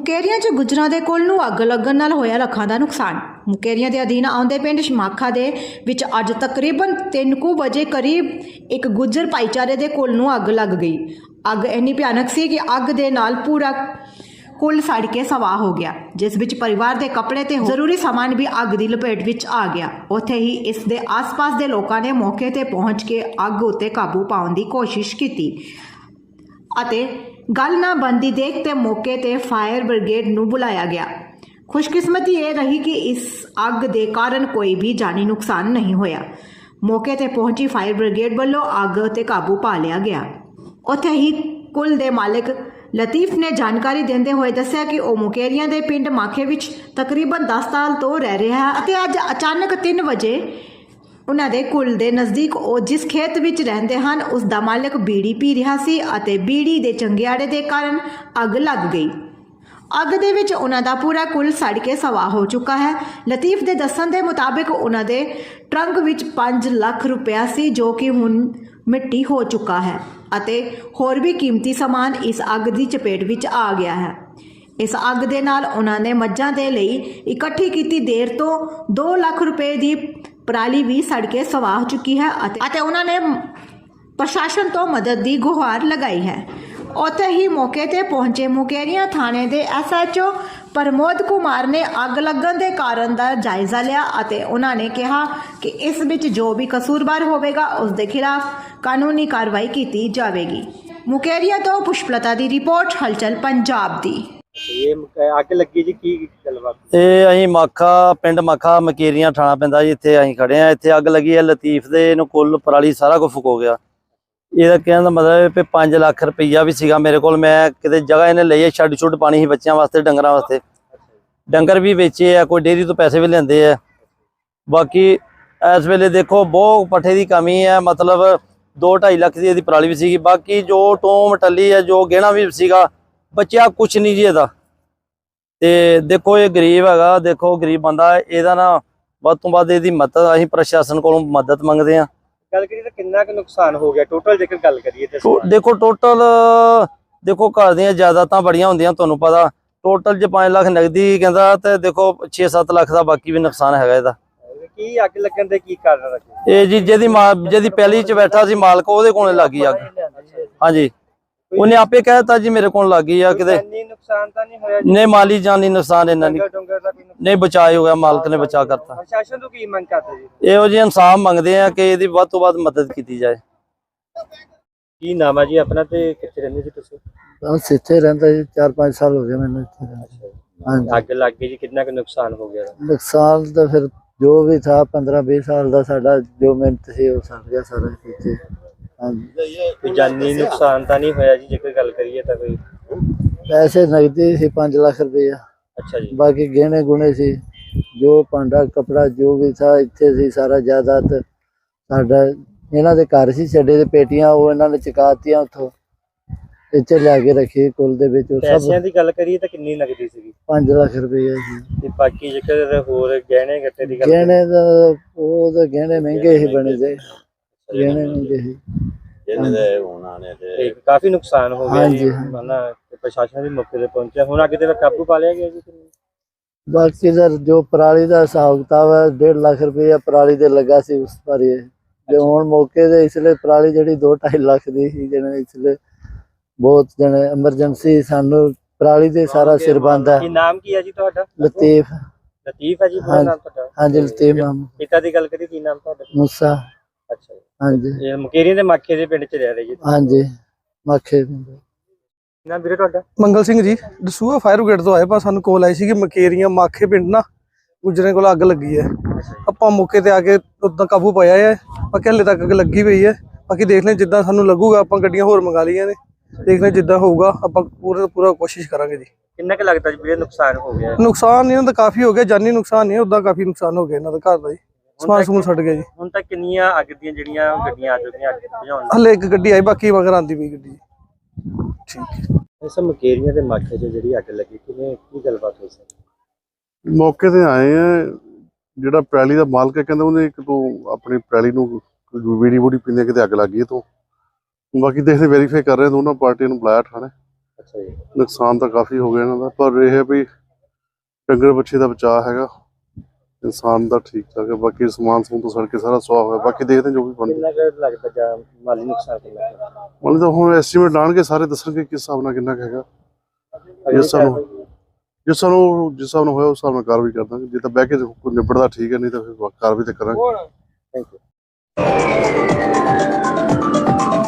ਮੁਕੇਰੀਆਂ 'ਚ ਗੁੱਜਰਾਂ ਦੇ ਕੁੱਲ ਨੂੰ ਅੱਗ ਲੱਗਣ ਨਾਲ ਹੋਇਆ ਲੱਖਾਂ ਦਾ ਨੁਕਸਾਨ। ਮੁਕੇਰੀਆਂ ਦੇ ਅਧੀਨ ਆਉਂਦੇ ਪਿੰਡ ਸ਼ਮਾਖਾ ਦੇ ਵਿੱਚ ਅੱਜ ਤਕਰੀਬਨ 3 ਵਜੇ ਕਰੀਬ ਇੱਕ ਗੁੱਜਰ ਭਾਈਚਾਰੇ ਦੇ ਕੁੱਲ ਨੂੰ ਅੱਗ ਲੱਗ ਗਈ। ਅੱਗ ਇੰਨੀ ਭਿਆਨਕ ਸੀ ਕਿ ਅੱਗ ਦੇ ਨਾਲ ਪੂਰਾ ਕੁੱਲ ਸੜ ਕੇ ਸਵਾਹ ਹੋ ਗਿਆ, ਜਿਸ ਵਿੱਚ ਪਰਿਵਾਰ ਦੇ ਕੱਪੜੇ ਤੇ ਜ਼ਰੂਰੀ ਸਾਮਾਨ ਵੀ ਅੱਗ ਦੀ ਲਪੇਟ ਵਿੱਚ ਆ ਗਿਆ। ਉੱਥੇ ਹੀ ਇਸ ਦੇ ਆਸ-ਪਾਸ ਦੇ ਲੋਕਾਂ ਨੇ ਮੌਕੇ ਤੇ ਪਹੁੰਚ ਕੇ ਅੱਗ ਉੱਤੇ ਕਾਬੂ ਪਾਉਣ ਦੀ ਕੋਸ਼ਿਸ਼ ਕੀਤੀ ਅਤੇ ਗੱਲ ਨਾ ਬਣਦੀ ਦੇਖ ਤੇ ਮੌਕੇ ਤੇ ਫਾਇਰ ਬ੍ਰਿਗੇਡ ਨੂੰ ਬੁਲਾਇਆ ਗਿਆ। ਖੁਸ਼ਕਿਸਮਤੀ ਇਹ ਰਹੀ ਕਿ ਇਸ ਅੱਗ ਦੇ ਕਾਰਨ ਕੋਈ ਵੀ ਜਾਨੀ ਨੁਕਸਾਨ ਨਹੀਂ ਹੋਇਆ। ਮੌਕੇ ਤੇ ਪਹੁੰਚੀ ਫਾਇਰ ਬ੍ਰਿਗੇਡ ਵੱਲੋਂ ਅੱਗ ਤੇ ਕਾਬੂ ਪਾ ਲਿਆ ਗਿਆ। ਉੱਥੇ ਹੀ ਕੁੱਲ ਦੇ ਮਾਲਕ ਲਤੀਫ ਨੇ ਜਾਣਕਾਰੀ ਦਿੰਦੇ ਹੋਏ ਦੱਸਿਆ ਕਿ ਉਹ ਮੁਕੇਰੀਆਂ ਦੇ ਪਿੰਡ ਮਾਖੇ ਵਿੱਚ ਤਕਰੀਬਨ 10 ਸਾਲ ਤੋਂ ਰਹਿ ਰਿਹਾ ਹੈ ਅਤੇ ਅੱਜ ਅਚਾਨਕ 3 ਵਜੇ ਉਹਨਾਂ ਦੇ ਕੁੱਲ ਦੇ ਨਜ਼ਦੀਕ ਉਹ ਜਿਸ ਖੇਤ ਵਿੱਚ ਰਹਿੰਦੇ ਹਨ ਉਸ ਦਾ ਮਾਲਕ ਬੀੜੀ ਪੀ ਰਿਹਾ ਸੀ ਅਤੇ ਬੀੜੀ ਦੇ ਚੰਗਿਆੜੇ ਦੇ ਕਾਰਨ ਅੱਗ ਲੱਗ ਗਈ। ਅੱਗ ਦੇ ਵਿੱਚ ਉਹਨਾਂ ਦਾ ਪੂਰਾ ਕੁੱਲ ਸੜ ਕੇ ਸਵਾਹ ਹੋ ਚੁੱਕਾ ਹੈ। ਲਤੀਫ ਦੇ ਦੱਸਣ ਦੇ ਮੁਤਾਬਿਕ ਉਹਨਾਂ ਦੇ ਟਰੰਕ ਵਿੱਚ 5 ਲੱਖ ਰੁਪਇਆ ਸੀ, ਜੋ ਕਿ ਹੁਣ ਮਿੱਟੀ ਹੋ ਚੁੱਕਾ ਹੈ ਅਤੇ ਹੋਰ ਵੀ ਕੀਮਤੀ ਸਮਾਨ ਇਸ ਅੱਗ ਦੀ ਚਪੇਟ ਵਿੱਚ ਆ ਗਿਆ ਹੈ। ਇਸ ਅੱਗ ਦੇ ਨਾਲ ਉਹਨਾਂ ਨੇ ਮੱਝਾਂ ਦੇ ਲਈ ਇਕੱਠੀ ਕੀਤੀ ਦੇਰ ਤੋਂ 2 ਲੱਖ ਰੁਪਏ ਦੀ ਪਰਾਲੀ ਵੀ ਸੜ ਕੇ ਸਵਾਹ ਚੁੱਕੀ ਹੈ ਅਤੇ ਉਹਨਾਂ ਨੇ ਪ੍ਰਸ਼ਾਸਨ ਤੋਂ ਮਦਦ ਦੀ ਗੁਹਾਰ ਲਗਾਈ ਹੈ। ਉੱਥੇ ਹੀ ਮੌਕੇ ਤੇ ਪਹੁੰਚੇ ਮੁਕੇਰੀਆਂ ਥਾਣੇ ਦੇ SHO ਪ੍ਰਮੋਦ ਕੁਮਾਰ ਨੇ ਅੱਗ ਲੱਗਣ ਦੇ ਕਾਰਨ ਦਾ ਜਾਇਜ਼ਾ ਲਿਆ ਅਤੇ ਉਹਨਾਂ ਨੇ ਕਿਹਾ ਕਿ ਇਸ ਵਿੱਚ ਜੋ ਵੀ ਕਸੂਰਵਾਰ ਹੋਵੇਗਾ ਉਸ ਦੇ ਖਿਲਾਫ ਕਾਨੂੰਨੀ ਕਾਰਵਾਈ ਕੀਤੀ ਜਾਵੇਗੀ। ਮੁਕੇਰੀਆਂ ਤੋਂ ਪੁਸ਼ਪਲਤਾ ਦੀ ਰਿਪੋਰਟ, ਹਲਚਲ ਪੰਜਾਬ ਦੀ। ਇਹ ਅੱਗ ਲੱਗੀ ਜੀ, ਕੀ ਗੱਲਬਾਤ? ਇਹ ਅਸੀਂ ਮਾਖਾ ਪਿੰਡ ਮਾਖਾ ਮਕੇਰੀਆਂ ਥਾਣਾ ਪੈਂਦਾ ਜੀ। ਇੱਥੇ ਅਸੀਂ ਖੜੇ ਆ। ਇੱਥੇ ਅੱਗ ਲੱਗੀ ਹੈ। ਲਤੀਫ ਦੇ ਇਹਨੂੰ ਕੁੱਲ ਪਰਾਲੀ ਸਾਰਾ ਕੁਝ ਫੁਕੋ ਗਿਆ। ਇਹਦਾ ਕਹਿਣ ਦਾ ਮਤਲਬ ਹੈ 5 ਲੱਖ ਰੁਪਈਆ ਵੀ ਸੀਗਾ ਮੇਰੇ ਕੋਲ। ਮੈਂ ਕਿਤੇ ਜਗ੍ਹਾ ਇਹਨੇ ਲਈ ਹੈ, ਛੱਡ ਛੁੱਟ ਪਾਣੀ ਸੀ ਬੱਚਿਆਂ ਵਾਸਤੇ, ਡੰਗਰਾਂ ਵਾਸਤੇ। ਡੰਗਰ ਵੀ ਵੇਚੇ ਆ, ਕੋਈ ਡੇਅਰੀ ਤੋਂ ਪੈਸੇ ਵੀ ਲੈਂਦੇ ਆ। ਬਾਕੀ ਇਸ ਵੇਲੇ ਦੇਖੋ ਬਹੁਤ ਪੱਠੇ ਦੀ ਕਮੀ ਹੈ, ਮਤਲਬ 2-2.5 ਲੱਖ ਦੀ ਇਹਦੀ ਪਰਾਲੀ ਵੀ ਸੀਗੀ। ਬਾਕੀ ਜੋ ਟੋਮ ਟੱਲੀ ਹੈ, ਜੋ ਗਹਿਣਾ ਵੀ ਸੀਗਾ, ਬਚਿਆ ਕੁਛ ਨਹੀਂ ਜੀ ਇਹਦਾ। ਤੇ ਦੇਖੋ ਇਹ ਗਰੀਬ ਹੈਗਾ, ਦੇਖੋ ਗਰੀਬ ਬੰਦਾ, ਇਹਦਾ ਨਾ ਵੱਧ ਤੋਂ ਵੱਧ ਇਹਦੀ ਮਦਦ ਅਸੀਂ ਪ੍ਰਸ਼ਾਸਨ ਕੋਲੋਂ ਮਦਦ ਮੰਗਦੇ ਹਾਂ। ਗੱਲ ਕਰੀਏ ਤਾਂ ਕਿੰਨਾ ਕੁ ਨੁਕਸਾਨ ਹੋ ਗਿਆ ਟੋਟਲ, ਜੇਕਰ ਗੱਲ ਕਰੀਏ ਤੇ? ਦੇਖੋ ਟੋਟਲ ਦੇਖੋ ਘਰ ਦੀਆਂ ਜਾਇਦਾਦਾਂ ਬੜੀਆਂ ਹੁੰਦੀਆਂ, ਤੁਹਾਨੂੰ ਪਤਾ। ਟੋਟਲ ਜੇ 5 ਲੱਖ ਨਗਦੀ ਕਹਿੰਦਾ ਤੇ ਦੇਖੋ 6-7 ਲੱਖ ਦਾ ਬਾਕੀ ਵੀ ਨੁਕਸਾਨ ਹੈਗਾ ਇਹਦਾ। ਕੀ ਅੱਗ ਲੱਗਣ ਦੇ ਕੀ ਕਾਰਨ ਰੱਖੇ? ਇਹ ਜੀ ਜਿਹਦੀ ਪਹਿਲੀ ਚ ਬੈਠਾ ਸੀ ਮਾਲਕ, ਉਹਦੇ ਕੋਲੇ ਲੱਗੀ ਅੱਗ। ਹਾਂਜੀ, ਉਹਨੇ ਆਪੇ ਕਹਿਤਾ ਜੀ ਮੇਰੇ ਕੋਲ ਲੱਗੀ ਆ। ਕਿਤੇ ਨੁਕਸਾਨ ਤਾਂ ਨਹੀਂ ਹੋਇਆ? ਨਹੀਂ, ਮਾਲੀ ਜਾਨੀ ਨੁਕਸਾਨ ਇਹਨਾਂ ਨੇ ਨਹੀਂ, ਬਚਾਅ ਹੋ ਗਿਆ, ਮਾਲਕ ਨੇ ਬਚਾ ਕਰਤਾ। ਪ੍ਰਸ਼ਾਸਨ ਤੋਂ ਕੀ ਮੰਗ ਕਰਦੇ ਜੀ? ਇਹੋ ਜਿਹੇ ਇਨਸਾਫ ਮੰਗਦੇ ਆ ਕਿ ਇਹਦੀ ਵੱਧ ਤੋਂ ਵੱਧ ਮਦਦ ਕੀਤੀ ਜਾਏ। ਕੀ ਨਾਮ ਹੈ ਜੀ ਆਪਣਾ ਤੇ ਕਿੱਥੇ ਰਹਿੰਦੇ ਜੀ ਤੁਸੀਂ? ਬਸ ਇੱਥੇ ਰਹਿੰਦਾ ਜੀ, 4-5 ਸਾਲ ਹੋ ਗਏ ਮੈਨੂੰ ਇੱਥੇ ਰਹਿੰਦੇ। ਹਾਂਜੀ, ਅੱਗ ਲੱਗ ਗਈ ਜੀ, ਕਿੰਨਾ ਕੁ ਨੁਕਸਾਨ ਹੋ ਗਿਆ? ਨੁਕਸਾਨ ਤਾਂ ਫਿਰ ਜੋ ਵੀ ਥਾ 15-20 ਸਾਲ ਦਾ ਸਾਡਾ ਜੋ ਮਿਹਨਤ ਸੀ ਉਹ ਸੜ ਗਿਆ ਸਾਰਾ ਇੱਥੇ। ਹਾਂਜੀ, ਕੋਈ ਜਾਨੀ ਨੁਕਸਾਨ ਤਾਂ ਨਹੀਂ ਹੋਇਆ ਜੀ ਜੇਕਰ ਗੱਲ ਕਰੀਏ ਤਾਂ? ਕੋਈ ਪੈਸੇ ਨਗਦੀ ਸੀ 5 ਲੱਖ ਰੁਪਇਆ। ਅੱਛਾ ਜੀ। ਬਾਕੀ ਗਹਿਣੇ ਗੁਣੇ ਸੀ, ਜੋ ਭਾਂਡਾ ਕਪੜਾ ਜੋ ਵੀ ਥਾ ਇੱਥੇ ਸੀ ਸਾਰਾ ਜਾਇਦਾਦ ਸਾਡਾ। ਇਹਨਾਂ ਦੇ ਘਰ ਸੀ ਛੱਡੇ ਦੇ ਪੇਟੀਆਂ, ਉਹ ਇਹਨਾਂ ਨੇ ਚੁਕਾਤੀਆਂ, ਉੱਥੋਂ ਇੱਥੇ ਲਿਆ ਕੇ ਰੱਖੀ ਕੁੱਲ ਦੇ ਵਿੱਚ। ਪੈਸਿਆਂ ਦੀ ਗੱਲ ਕਰੀਏ ਤਾਂ ਕਿੰਨੀ ਨਗਦੀ ਸੀਗੀ? 5 ਲੱਖ ਰੁਪਇਆ ਸੀ। ਤੇ ਬਾਕੀ ਜੇਕਰ ਹੋਰ ਗਹਿਣੇ ਗੱਟੇ ਦੀ ਗੱਲ? ਗਹਿਣੇ ਦਾ ਉਹ ਤਾਂ ਗਹਿਣੇ ਮਹਿੰਗੇ ਹੀ ਬਣੇ ਜੇ, ਗਹਿਣੇ ਮਹਿੰਗੇ ਸੀ। ਤੇ ਕਾਫੀ ਨੁਕਸਾਨ ਹੋ ਗਿਆ ਜੀ। ਹਾਂਜੀ। ਪ੍ਰਸ਼ਾਸਨ ਵੀ ਮੌਕੇ ਤੇ ਪਹੁੰਚਿਆ, ਹੁਣ ਅੱਗੇ ਤੇ ਕਾਬੂ ਪਾ ਲਿਆ ਗਿਆ ਜੀ? ਬਾਕੀ ਦਾ ਜੋ ਪਰਾਲੀ ਦਾ ਹਿਸਾਬ ਕਿਤਾਬ ਹੈ, 1.5 ਲੱਖ ਰੁਪਇਆ ਪਰਾਲੀ ਦੇ ਲੱਗਾ ਸੀ ਉਸ ਪਰ। ਜੇ ਹੁਣ ਮੌਕੇ ਦੇ ਇਸ ਲਈ ਪਰਾਲੀ ਜਿਹੜੀ 2-2.5 ਲੱਖ ਦੀ ਸੀ, ਜਿਹਨੇ ਇਸ ਲਈ ਬਹੁਤ ਜਣੇ ਐਮਰਜੈਂਸੀ ਸਾਨੂੰ ਪਰਾਲੀ ਦੇ ਸਾਰਾ ਸਿਰ ਬੰਦਾ। ਕੀ ਨਾਮ ਕੀ ਹੈ ਜੀ ਤੁਹਾਡਾ? ਲਤੀਫ। ਲਤੀਫ ਹੈ ਜੀ ਨਾਮ ਤੁਹਾਡਾ? ਹਾਂਜੀ, ਲਤੀਫ ਨਾਮ। ਪਿਤਾ ਦੀ ਗੱਲ ਕਰੀ, ਕੀ ਨਾਮ ਤੁਹਾਡਾ? ਮੂਸਾ। ਅੱਛਾ ਜੀ। ਹਾਂਜੀ, ਇਹ ਮੁਕੇਰੀਆਂ ਦੇ ਮਾਖੇ ਦੇ ਪਿੰਡ ਚ ਰਹਿ ਰਹੇ ਜੀ? ਹਾਂਜੀ, ਮਾਖੇ। ਨਾਮ ਵੀਰੇ ਤੁਹਾਡਾ? ਮੰਗਲ ਸਿੰਘ ਜੀ, ਦਸੂਹਾ ਫਾਇਰ ਬ੍ਰਿਗੇਡ ਤੋਂ ਆਏ। ਪਰ ਸਾਨੂੰ ਕੋਲ ਆਈ ਸੀ ਕਿ ਮਕੇਰੀਆਂ ਮਾਖੇ ਪਿੰਡ ਨਾ ਗੁਜਰੇ ਕੋਲ ਅੱਗ ਲੱਗੀ ਹੈ। ਆਪਾਂ ਮੌਕੇ ਤੇ ਆ ਕੇ ਉਦਾਂ ਕਾਬੂ ਪਾਇਆ ਹੈ। ਬਾਕੀ ਹਲੇ ਤੱਕ ਅੱਗ ਲੱਗੀ ਪਈ ਹੈ। ਬਾਕੀ ਦੇਖ ਲੈ ਜਿੱਦਾਂ ਸਾਨੂੰ ਲੱਗੂਗਾ, ਆਪਾਂ ਗੱਡੀਆਂ ਹੋਰ ਮੰਗਾ ਲਈਆਂ ਨੇ, ਦੇਖ ਲੈ ਜਿੱਦਾਂ ਹੋਊਗਾ ਆਪਾਂ ਪੂਰਾ ਕੋਸ਼ਿਸ਼ ਕਰਾਂਗੇ ਜੀ। ਕਿੰਨਾ ਕੁ ਲੱਗਦਾ ਜੀ ਵੀਰੇ ਨੁਕਸਾਨ ਹੋ ਗਿਆ? ਨੁਕਸਾਨ ਇਹਨਾਂ ਦਾ ਕਾਫੀ ਹੋ ਗਿਆ, ਜਾਨੀ ਨੁਕਸਾਨ ਨਹੀਂ, ਉਦਾਂ ਕਾਫੀ ਨੁਕਸਾਨ ਹੋ ਗਿਆ ਇਹਨਾਂ ਦਾ ਘਰ ਦਾ ਜੀ। ਸਮਾਨ ਸਮੂਨ ਛੱਡ ਗਿਆ ਜੀ। ਹੁਣ ਤੱਕ ਕਿੰਨੀਆਂ ਅੱਗ ਦੀਆਂ ਜਿਹੜੀਆਂ ਗੱਡੀਆਂ ਆ ਚੁੱਕੀਆਂ ਅੱਗ ਬੁਝਾਉਣ? ਹਲੇ ਇੱਕ ਗੱਡੀ ਆਈ, ਬਾਕੀ ਮਗਰ ਆਂਦੀ ਪਈ ਗੱਡੀ। ਠੀਕ ਹੈ। ਇਸ ਮੁਕੇਰੀਆਂ ਦੇ ਮਾਖੇ 'ਚ ਜਿਹੜੀ ਅੱਗ ਲੱਗੀ, ਕਿਵੇਂ ਕੀ ਗੱਲਬਾਤ ਹੋਈ ਸੀ? ਮੌਕੇ ਤੇ ਆਏ ਆ। ਜਿਹੜਾ ਪੈਲੀ ਦਾ ਮਾਲਕ ਹੈ ਕਹਿੰਦਾ ਉਹਨੇ ਇੱਕ ਤੋਂ ਆਪਣੀ ਪੈਲੀ ਨੂੰ ਬੀੜੀ ਬੂੜੀ ਪੀਂਦੇ ਕਿਤੇ ਅੱਗ ਲੱਗ ਗਈ ਤੋਂ। ਬਾਕੀ ਦੇਖਦੇ ਵੈਰੀਫਾਈ ਕਰ ਰਹੇ, ਦੋਨਾਂ ਪਾਰਟੀਆਂ ਨੂੰ ਬੁਲਾਇਆ ਥਾਣੇ। ਅੱਛਾ ਜੀ। ਨੁਕਸਾਨ ਤਾਂ ਕਾਫੀ ਹੋ ਗਿਆ ਇਹਨਾਂ ਦਾ, ਪਰ ਇਹ ਹੈ ਵੀ ਡੰਗਰ ਬੱਚੇ ਦਾ ਬਚਾਅ ਹੈਗਾ, ਇਨਸਾਨ ਦਾ ਠੀਕ ਠਾਕ ਹੈ। ਬਾਕੀ ਸਮਾਨ ਸਮੂਨ ਤੋਂ ਸੜ ਕੇ ਸਾਰਾ ਸੁਆਹ ਹੋਇਆ, ਬਾਕੀ ਦੇਖਦੇ ਹਾਂ ਜੋ ਵੀ ਬਣਦਾ। ਕਿੰਨਾ ਕੁ ਲੱਗਦਾ ਜਾਂ ਮਾਲੀ ਨੁਕਸਾਨ ਕਿੰਨਾ ਕੁ ਹੈ? ਮਤਲਬ ਤਾਂ ਹੁਣ ਐਸਟੀਮੇਟ ਲਾਣਗੇ, ਸਾਰੇ ਦੱਸਣਗੇ ਕਿਸ ਹਿਸਾਬ ਨਾਲ ਕਿੰਨਾ ਕੁ ਹੈਗਾ। ਅਗਲੀ ਸਾਨੂੰ ਕਾਰਵਾਈ- ਜਿਸ ਹਿਸਾਬ ਨਾਲ ਹੋਇਆ ਉਸ ਹਿਸਾਬ ਨਾਲ ਕਾਰਵਾਈ ਕਰ ਦਾਂਗੇ। ਜੇ ਤਾਂ ਬਹਿ ਕੇ ਕੋਈ ਨਿਬੜਦਾ ਠੀਕ ਹੈ, ਨਹੀਂ ਤਾਂ ਫਿਰ ਕਾਰਵਾਈ ਤਾਂ ਕਰਾਂਗੇ। Thank you.